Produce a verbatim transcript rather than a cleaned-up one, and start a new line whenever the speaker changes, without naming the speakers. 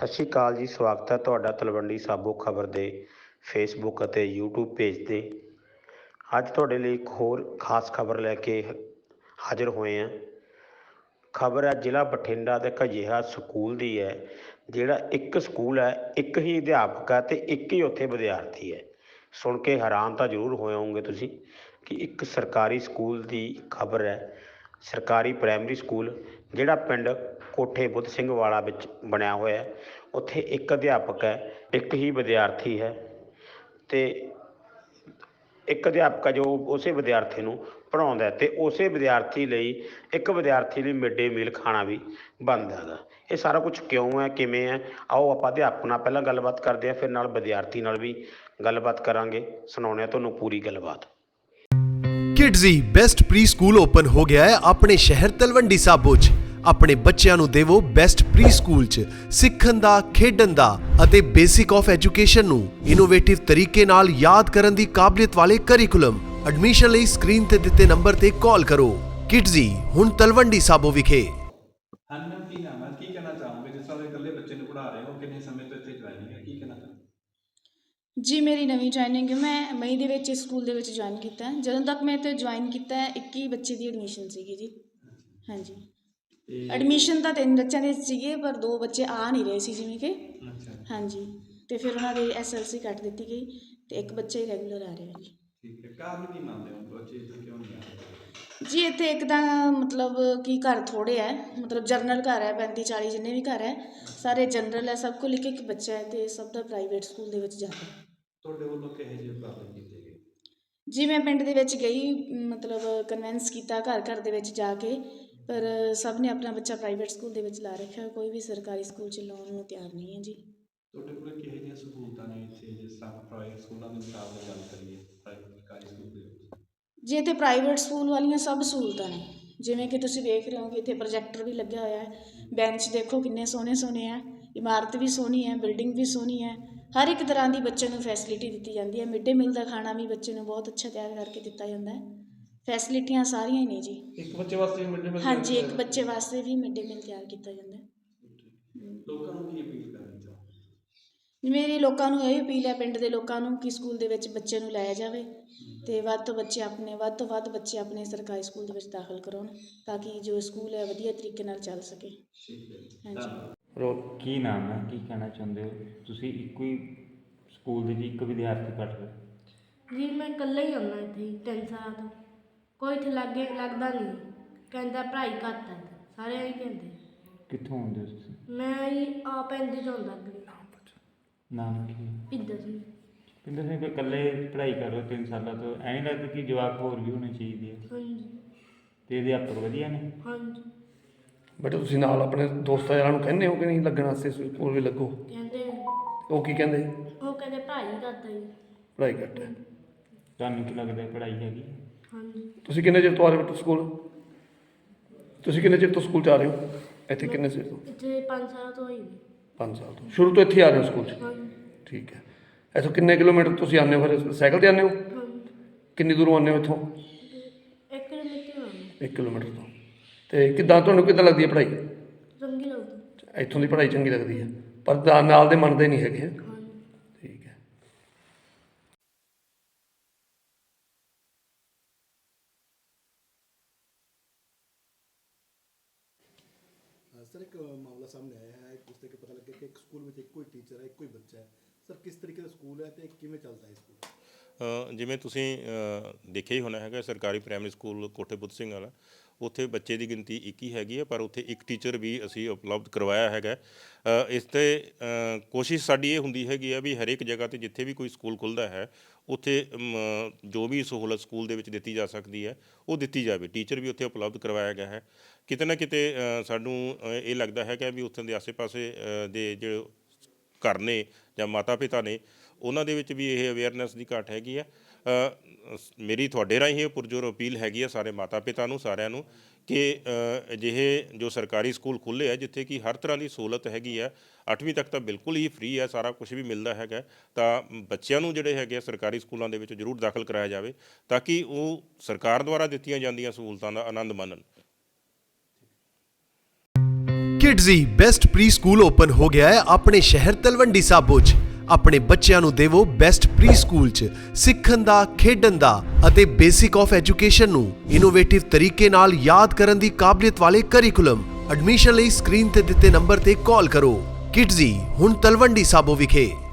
ਸਤਿ ਸ਼੍ਰੀ ਅਕਾਲ ਜੀ। ਸਵਾਗਤ ਹੈ ਤੁਹਾਡਾ ਤਲਵੰਡੀ ਸਾਬੋ ਖਬਰ ਦੇ ਫੇਸਬੁੱਕ ਅਤੇ ਯੂਟਿਊਬ ਪੇਜ 'ਤੇ। ਅੱਜ ਤੁਹਾਡੇ ਲਈ ਇੱਕ ਹੋਰ ਖਾਸ ਖਬਰ ਲੈ ਕੇ ਹਾਜ਼ਰ ਹੋਏ ਹਾਂ। ਖਬਰ ਹੈ ਜ਼ਿਲ੍ਹਾ ਬਠਿੰਡਾ ਦੇ ਇੱਕ ਅਜਿਹਾ ਸਕੂਲ ਦੀ ਹੈ, ਜਿਹੜਾ ਇੱਕ ਸਕੂਲ ਹੈ, ਇੱਕ ਹੀ ਅਧਿਆਪਕ ਹੈ ਅਤੇ ਇੱਕ ਹੀ ਉੱਥੇ ਵਿਦਿਆਰਥੀ ਹੈ। ਸੁਣ ਕੇ ਹੈਰਾਨ ਤਾਂ ਜ਼ਰੂਰ ਹੋਏ ਹੋਵੋਗੇ ਤੁਸੀਂ ਕਿ ਇੱਕ ਸਰਕਾਰੀ ਸਕੂਲ ਦੀ ਖਬਰ ਹੈ। ਸਰਕਾਰੀ ਪ੍ਰਾਇਮਰੀ ਸਕੂਲ ਜਿਹੜਾ ਪਿੰਡ ਕੋਠੇ ਬੁੱਧ ਸਿੰਘ ਵਾਲਾ ਵਿੱਚ ਬਣਿਆ ਹੋਇਆ, ਉੱਥੇ ਇੱਕ ਅਧਿਆਪਕ ਹੈ, ਇੱਕ ਹੀ ਵਿਦਿਆਰਥੀ ਹੈ ਅਤੇ ਇੱਕ ਅਧਿਆਪਕ ਹੈ ਜੋ ਉਸੇ ਵਿਦਿਆਰਥੀ ਨੂੰ ਪੜ੍ਹਾਉਂਦਾ ਅਤੇ ਉਸੇ ਵਿਦਿਆਰਥੀ ਲਈ ਇੱਕ ਵਿਦਿਆਰਥੀ ਲਈ ਮਿਡ ਡੇ ਮੀਲ ਖਾਣਾ ਵੀ ਬਣਦਾ ਹੈਗਾ। ਇਹ ਸਾਰਾ ਕੁਛ ਕਿਉਂ ਹੈ, ਕਿਵੇਂ ਹੈ, ਆਓ ਆਪਾਂ ਅਧਿਆਪਕ ਨਾਲ ਪਹਿਲਾਂ ਗੱਲਬਾਤ ਕਰਦੇ ਹਾਂ, ਫਿਰ ਨਾਲ ਵਿਦਿਆਰਥੀ ਨਾਲ ਵੀ ਗੱਲਬਾਤ ਕਰਾਂਗੇ। ਸੁਣਾਉਂਦੇ ਹਾਂ ਤੁਹਾਨੂੰ ਪੂਰੀ ਗੱਲਬਾਤ।
Kidzee best pre school open ਹੋ ਗਿਆ ਹੈ ਆਪਣੇ ਸ਼ਹਿਰ ਤਲਵੰਡੀ ਸਾਬੋ 'ਚ। ਆਪਣੇ ਬੱਚਿਆਂ ਨੂੰ ਦੇਵੋ ਬੈਸਟ ਪ੍ਰੀ ਸਕੂਲ 'ਚ ਸਿੱਖਣ ਦਾ, ਖੇਡਣ ਦਾ ਅਤੇ ਬੇਸਿਕ ਆਫ ਐਜੂਕੇਸ਼ਨ ਨੂੰ ਇਨੋਵੇਟਿਵ ਤਰੀਕੇ ਨਾਲ ਯਾਦ ਕਰਨ ਦੀ ਕਾਬਲੀਅਤ ਵਾਲੇ ਕਰਿਕੂਲਮ। ਐਡਮਿਸ਼ਨ ਲਈ ਸਕਰੀਨ ਤੇ ਦਿੱਤੇ ਨੰਬਰ ਤੇ ਕਾਲ ਕਰੋ। ਕਿਡਜ਼ੀ ਹੁਣ ਤਲਵੰਡੀ ਸਾਬੋ ਵਿਖੇ।
ਹਾਂਜੀ ਮੈਮ, ਕੀ ਨਾਮ ਹੈ, ਕੀ ਕਹਿਣਾ ਚਾਹੋਗੇ? ਜਿਸ ਤਰ੍ਹਾਂ ਇਕੱਲੇ ਬੱਚੇ ਨੂੰ ਪੜ੍ਹਾ ਰਹੇ ਹੋ, ਕਿੰਨੇ ਸਮੇਂ ਤੋਂ ਇੱਥੇ ਜੁਆਇਨਿੰਗ ਹੈ, ਕੀ ਕਹਿਣਾ ਚਾਹੋਗੇ?
ਜੀ ਮੇਰੀ ਨਵੀਂ ਜੁਆਇਨਿੰਗ ਹੈ। ਮੈਂ ਮਈ ਦੇ ਵਿੱਚ ਇਸ ਸਕੂਲ ਦੇ ਵਿੱਚ ਜੁਆਇਨ ਕੀਤਾ। ਜਦੋਂ ਤੱਕ ਮੈਂ ਇੱਥੇ ਜੁਆਇਨ ਕੀਤਾ ਇੱਕੀ ਬੱਚੇ ਦੀ ਐਡਮਿਸ਼ਨ ਸੀਗੀ ਜੀ। ਹਾਂਜੀ, ਐਡਮਿਸ਼ਨ ਤਾਂ ਤਿੰਨ ਬੱਚਿਆਂ ਦੇ ਸੀਗੇ, ਪਰ ਦੋ ਬੱਚੇ ਆ ਨਹੀਂ ਰਹੇ ਸੀ ਜਿਵੇਂ ਕਿ।
ਅੱਛਾ,
ਹਾਂਜੀ, ਅਤੇ ਫਿਰ ਉਹਨਾਂ ਦੀ ਐਸ ਐਲ ਸੀ ਕੱਟ ਦਿੱਤੀ ਗਈ ਅਤੇ ਇੱਕ ਬੱਚਾ ਹੀ ਰੈਗੂਲਰ ਆ ਰਿਹਾ ਜੀ।
ਠੀਕ ਹੈ। ਕਾਰਨ ਕੀ ਮੰਨਦੇ ਹੋ ਬੱਚੇ ਇੱਥੇ ਕਿਉਂ ਨਹੀਂ ਆ ਰਹੇ?
ਜੀ ਇੱਥੇ ਇੱਕ ਤਾਂ ਮਤਲਬ ਕਿ ਘਰ ਥੋੜ੍ਹੇ ਹੈ, ਮਤਲਬ ਜਨਰਲ ਘਰ ਹੈ, ਪੈਂਤੀ ਚਾਲੀ ਜਿੰਨੇ ਵੀ ਘਰ ਹੈ ਸਾਰੇ ਜਨਰਲ ਹੈ। ਸਭ ਕੋਲ ਇੱਕ ਇੱਕ ਬੱਚਾ ਹੈ ਅਤੇ ਸਭ ਦਾ ਪ੍ਰਾਈਵੇਟ ਸਕੂਲ ਦੇ ਵਿੱਚ ਜਾਂਦਾ।
ਤੁਹਾਡੇ ਵੱਲੋਂ ਕਿਹੋ ਜਿਹੇ ਉਪਰਾਲੇ ਕੀਤੇ ਗਏ?
ਜੀ ਮੈਂ ਪਿੰਡ ਦੇ ਵਿੱਚ ਗਈ, ਮਤਲਬ ਕਨਵਿੰਸ ਕੀਤਾ ਘਰ ਘਰ ਦੇ ਵਿੱਚ ਜਾ ਕੇ, ਪਰ ਸਭ ਨੇ ਆਪਣਾ ਬੱਚਾ ਪ੍ਰਾਈਵੇਟ ਸਕੂਲ ਦੇ ਵਿੱਚ ਲਾ ਰੱਖਿਆ। ਕੋਈ ਵੀ ਸਰਕਾਰੀ ਸਕੂਲ 'ਚ ਲਾਉਣ ਨੂੰ ਤਿਆਰ ਨਹੀਂ ਹੈ ਜੀ।
ਤੁਹਾਡੇ ਕੋਲ ਕਿਹੋ ਜਿਹੀਆਂ ਸਹੂਲਤਾਂ ਨੇ ਇੱਥੇ, ਜਿਸ ਤਰ੍ਹਾਂ ਪ੍ਰਾਈਵੇਟ ਸਕੂਲਾਂ ਦੇ ਮੁਕਾਬਲੇ ਗੱਲ ਕਰੀਏ ਪ੍ਰਾਈਵੇਟ ਸਰਕਾਰੀ ਸਕੂਲ ਦੇ ਵਿੱਚ?
ਜੀ ਇੱਥੇ ਪ੍ਰਾਈਵੇਟ ਸਕੂਲ ਵਾਲੀਆਂ ਸਭ ਸਹੂਲਤਾਂ ਨੇ, ਜਿਵੇਂ ਕਿ ਤੁਸੀਂ ਵੇਖ ਰਹੇ ਹੋ ਕਿ ਇੱਥੇ ਪ੍ਰੋਜੈਕਟਰ ਵੀ ਲੱਗਿਆ ਹੋਇਆ ਹੈ। ਬੈਂਚ ਦੇਖੋ ਕਿੰਨੇ ਸੋਹਣੇ ਸੋਹਣੇ ਹੈ, ਇਮਾਰਤ ਵੀ ਸੋਹਣੀ ਹੈ, ਬਿਲਡਿੰਗ ਵੀ ਸੋਹਣੀ ਹੈ। ਹਰ ਇੱਕ ਤਰ੍ਹਾਂ ਦੀ ਬੱਚੇ ਨੂੰ ਫੈਸਿਲਿਟੀ ਦਿੱਤੀ ਜਾਂਦੀ ਹੈ। ਮਿਡ ਡੇ ਮੀਲ ਦਾ ਖਾਣਾ ਵੀ ਬੱਚੇ ਨੂੰ ਬਹੁਤ ਅੱਛਾ ਤਿਆਰ ਕਰਕੇ ਦਿੱਤਾ ਜਾਂਦਾ ਹੈ। ਫੈਸਿਲਿਟੀਆਂ ਸਾਰੀਆਂ ਹੀ ਨੇ ਜੀ।
ਇੱਕ ਬੱਚੇ ਵਾਸਤੇ ਮਿਡ ਡੇ ਮੀਲ?
ਹਾਂਜੀ, ਇੱਕ ਬੱਚੇ ਵਾਸਤੇ ਵੀ ਮਿਡ ਡੇ ਮੀਲ ਤਿਆਰ ਕੀਤਾ ਜਾਂਦਾ ਹੈ।
ਲੋਕਾਂ ਨੂੰ ਕੀ ਅਪੀਲ ਕਰਨੀ ਚਾਹੋਗੇ?
ਮੇਰੀ ਲੋਕਾਂ ਨੂੰ ਇਹ ਅਪੀਲ ਹੈ, ਪਿੰਡ ਦੇ ਲੋਕਾਂ ਨੂੰ, ਕਿ ਸਕੂਲ ਦੇ ਵਿੱਚ ਬੱਚੇ ਨੂੰ ਲਾਇਆ ਜਾਵੇ ਅਤੇ ਵੱਧ ਤੋਂ ਬੱਚੇ ਆਪਣੇ ਵੱਧ ਤੋਂ ਵੱਧ ਬੱਚੇ ਆਪਣੇ ਸਰਕਾਰੀ ਸਕੂਲ ਦੇ ਵਿੱਚ ਦਾਖਲ ਕਰਾਉਣ, ਤਾਂ ਕਿ ਜੋ ਸਕੂਲ ਹੈ ਵਧੀਆ ਤਰੀਕੇ ਨਾਲ ਚੱਲ ਸਕੇ। ਹਾਂਜੀ।
ਰੋ ਕੀ ਨਾਮ ਹੈ, ਕੀ ਕਹਿਣਾ ਚਾਹੁੰਦੇ ਹੋ? ਤੁਸੀਂ ਇੱਕੋ ਹੀ ਸਕੂਲ ਦੇ ਜੀ ਇੱਕ ਵਿਦਿਆਰਥੀ ਪੜ੍ਹ ਰਹੇ?
ਜੀ ਮੈਂ ਇਕੱਲਾ ਹੀ ਆਉਂਦਾ ਇੱਥੇ ਹੀ ਤਿੰਨ ਸਾਲਾਂ ਤੋਂ। ਕੋਈ ਇੱਥੇ ਲਾਗੇ ਲੱਗਦਾ ਨਹੀਂ, ਕਹਿੰਦਾ ਪੜ੍ਹਾਈ ਘੱਟ ਹੈ, ਸਾਰੇ ਇਹੀ ਕਹਿੰਦੇ।
ਕਿੱਥੋਂ ਆਉਂਦੇ ਹੋ ਤੁਸੀਂ?
ਮੈਂ ਹੀ ਆਪ ਪੈਂਦੇ ਤੋਂ ਆਉਂਦਾ ਅੱਗੇ।
ਨਾਮ ਕੀ ਹੈ?
ਪਿੰਦਰ ਸਿੰਘ।
ਪਿੰਦਰ ਸਿੰਘ, ਇਕੱਲੇ ਪੜ੍ਹਾਈ ਕਰ ਰਹੇ ਹੋ ਤਿੰਨ ਸਾਲਾਂ ਤੋਂ, ਐਂ ਨਹੀਂ ਲੱਗਦਾ ਕਿ ਜਵਾਕ ਹੋਰ ਵੀ ਹੋਣੇ ਚਾਹੀਦੇ ਆ?
ਹਾਂਜੀ।
ਅਤੇ ਅਧਿਆਪਕ ਵਧੀਆ ਨੇ?
ਹਾਂਜੀ।
ਬੇਟਾ ਤੁਸੀਂ ਨਾਲ ਆਪਣੇ ਦੋਸਤਾਂ ਯਾਰਾਂ ਨੂੰ ਕਹਿੰਦੇ ਹੋ ਕਿ ਨਹੀਂ ਲੱਗਣ ਵਾਸਤੇ ਸਕੂਲ ਵੀ ਲੱਗੋ?
ਕਹਿੰਦੇ
ਉਹ ਕੀ ਕਹਿੰਦੇ?
ਉਹ ਕਹਿੰਦੇ ਪੜ੍ਹਾਈ ਘੱਟ ਹੈ ਜੀ।
ਪੜ੍ਹਾਈ ਘੱਟ ਹੈ।
ਤੁਹਾਨੂੰ ਕੀ ਲੱਗਦਾ ਪੜ੍ਹਾਈ ਹੈਗੀ?
ਹਾਂਜੀ।
ਤੁਸੀਂ ਕਿੰਨੇ ਚਿਰ ਤੋਂ ਆ ਰਹੇ ਹੋ ਸਕੂਲ? ਤੁਸੀਂ ਕਿੰਨੇ ਚਿਰ ਤੋਂ ਸਕੂਲ 'ਚ ਆ ਰਹੇ ਹੋ? ਇੱਥੇ ਕਿੰਨੇ ਚਿਰ ਤੋਂ?
ਇੱਥੇ ਪੰਜ ਸਾਲ ਤੋਂ ਹੋਈ ਜੀ।
ਪੰਜ ਸਾਲ ਤੋਂ। ਸ਼ੁਰੂ ਤੋਂ ਇੱਥੇ ਆ ਰਹੇ ਹੋ ਸਕੂਲ 'ਚ?
ਹਾਂਜੀ।
ਠੀਕ ਹੈ। ਇੱਥੋਂ ਕਿੰਨੇ ਕਿਲੋਮੀਟਰ ਤੁਸੀਂ ਆਉਂਦੇ ਹੋ? ਫਿਰ ਸਾਈਕਲ 'ਤੇ ਆਉਂਦੇ ਹੋ?
ਹਾਂਜੀ।
ਕਿੰਨੀ ਦੂਰੋਂ ਆਉਂਦੇ ਹੋ ਇੱਥੋਂ?
ਇੱਕ ਕਿਲੋਮੀਟਰ ਆਉਂਦਾ।
ਇੱਕ ਕਿਲੋਮੀਟਰ ਤੋਂ। ਅਤੇ ਕਿੱਦਾਂ ਤੁਹਾਨੂੰ ਕਿੱਦਾਂ ਲੱਗਦੀ ਹੈ ਪੜ੍ਹਾਈ?
ਚੰਗੀ ਲੱਗਦੀ।
ਇੱਥੋਂ ਦੀ ਪੜ੍ਹਾਈ ਚੰਗੀ ਲੱਗਦੀ ਹੈ, ਪਰ ਨਾਲ ਦੇ ਮੰਨਦੇ ਨਹੀਂ ਹੈਗੇ।
ਹਾਂਜੀ।
ਠੀਕ ਹੈ।
ਸਰ ਇੱਕ ਮਾਮਲਾ ਸਾਹਮਣੇ ਆਇਆ ਹੈ, ਉਸ ਤੇ ਪਤਾ ਲੱਗਿਆ ਕਿ ਇੱਕ ਸਕੂਲ ਵਿੱਚ ਇੱਕੋ ਹੀ ਟੀਚਰ ਹੈ, ਇੱਕੋ ਹੀ ਬੱਚਾ ਹੈ। ਸਰ ਕਿਸ ਤਰੀਕੇ ਦਾ ਸਕੂਲ ਹੈ ਅਤੇ ਕਿਵੇਂ ਚੱਲਦਾ ਹੈ ਸਕੂਲ?
ਜਿਵੇਂ ਤੁਸੀਂ ਦੇਖਿਆ ਹੀ ਹੋਣਾ ਹੈਗਾ, ਸਰਕਾਰੀ ਪ੍ਰਾਇਮਰੀ ਸਕੂਲ ਕੋਠੇ ਬੁੱਧ ਸਿੰਘ ਵਾਲਾ, ਉੱਥੇ ਬੱਚੇ ਦੀ ਗਿਣਤੀ ਇੱਕ ਹੀ ਹੈਗੀ ਹੈ, ਪਰ ਉੱਥੇ ਇੱਕ ਟੀਚਰ ਵੀ ਅਸੀਂ ਉਪਲਬਧ ਕਰਵਾਇਆ ਹੈਗਾ। ਇਸ 'ਤੇ ਕੋਸ਼ਿਸ਼ ਸਾਡੀ ਇਹ ਹੁੰਦੀ ਹੈਗੀ ਆ ਵੀ ਹਰੇਕ ਜਗ੍ਹਾ 'ਤੇ ਜਿੱਥੇ ਵੀ ਕੋਈ ਸਕੂਲ ਖੁੱਲ੍ਹਦਾ ਹੈ ਉੱਥੇ ਜੋ ਵੀ ਸਹੂਲਤ ਸਕੂਲ ਦੇ ਵਿੱਚ ਦਿੱਤੀ ਜਾ ਸਕਦੀ ਹੈ ਉਹ ਦਿੱਤੀ ਜਾਵੇ। ਟੀਚਰ ਵੀ ਉੱਥੇ ਉਪਲਬਧ ਕਰਵਾਇਆ ਗਿਆ ਹੈ। ਕਿਤੇ ਨਾ ਕਿਤੇ ਸਾਨੂੰ ਇਹ ਲੱਗਦਾ ਹੈਗਾ ਵੀ ਉੱਥੋਂ ਦੇ ਆਸੇ ਪਾਸੇ ਦੇ ਜੋ ਘਰ ਨੇ ਜਾਂ ਮਾਤਾ ਪਿਤਾ ਨੇ, ਉਹਨਾਂ ਦੇ ਵਿੱਚ ਵੀ ਇਹ ਅਵੇਅਰਨੈਸ ਦੀ ਘਾਟ ਹੈਗੀ ਆ। ਮੇਰੀ ਤੁਹਾਡੇ ਰਾਹੀਂ ਇਹ ਪੁਰਜੋਰ ਅਪੀਲ ਹੈਗੀ ਆ ਸਾਰੇ ਮਾਤਾ ਪਿਤਾ ਨੂੰ, ਸਾਰਿਆਂ ਨੂੰ, ਕਿ ਅਜਿਹੇ ਜੋ ਸਰਕਾਰੀ ਸਕੂਲ ਖੁੱਲ੍ਹੇ ਆ ਜਿੱਥੇ ਕਿ ਹਰ ਤਰ੍ਹਾਂ ਦੀ ਸਹੂਲਤ ਹੈਗੀ ਆ, ਅੱਠਵੀਂ ਤੱਕ ਤਾਂ ਬਿਲਕੁਲ ਹੀ ਫ੍ਰੀ ਹੈ, ਸਾਰਾ ਕੁਛ ਵੀ ਮਿਲਦਾ ਹੈਗਾ, ਤਾਂ ਬੱਚਿਆਂ ਨੂੰ ਜਿਹੜੇ ਹੈਗੇ ਆ ਸਰਕਾਰੀ ਸਕੂਲਾਂ ਦੇ ਵਿੱਚ ਜ਼ਰੂਰ ਦਾਖਲ ਕਰਾਇਆ ਜਾਵੇ ਤਾਂ ਕਿ ਉਹ ਸਰਕਾਰ ਦੁਆਰਾ ਦਿੱਤੀਆਂ ਜਾਂਦੀਆਂ ਸਹੂਲਤਾਂ ਦਾ ਆਨੰਦ ਮਾਣਨ।
Kidzee best pre school open ਹੋ ਗਿਆ ਹੈ ਆਪਣੇ ਸ਼ਹਿਰ ਤਲਵੰਡੀ ਸਾਬੋ 'ਚ। ਆਪਣੇ ਬੱਚਿਆਂ ਨੂੰ ਦੇਵੋ ਬੈਸਟ ਪ੍ਰੀ ਸਕੂਲ 'ਚ ਸਿੱਖਣ ਦਾ, ਖੇਡਣ ਦਾ ਅਤੇ ਬੇਸਿਕ ਆਫ ਐਜੂਕੇਸ਼ਨ ਨੂੰ ਇਨੋਵੇਟਿਵ ਤਰੀਕੇ ਨਾਲ ਯਾਦ ਕਰਨ ਦੀ ਕਾਬਲੀਅਤ ਵਾਲੇ ਕਰਿਕੂਲਮ। ਐਡਮਿਸ਼ਨ ਲਈ ਸਕਰੀਨ ਤੇ ਦਿੱਤੇ ਨੰਬਰ ਤੇ ਕਾਲ ਕਰੋ। ਕਿਡਜ਼ੀ ਹੁਣ ਤਲਵੰਡੀ ਸਾਬੋ ਵਿਖੇ।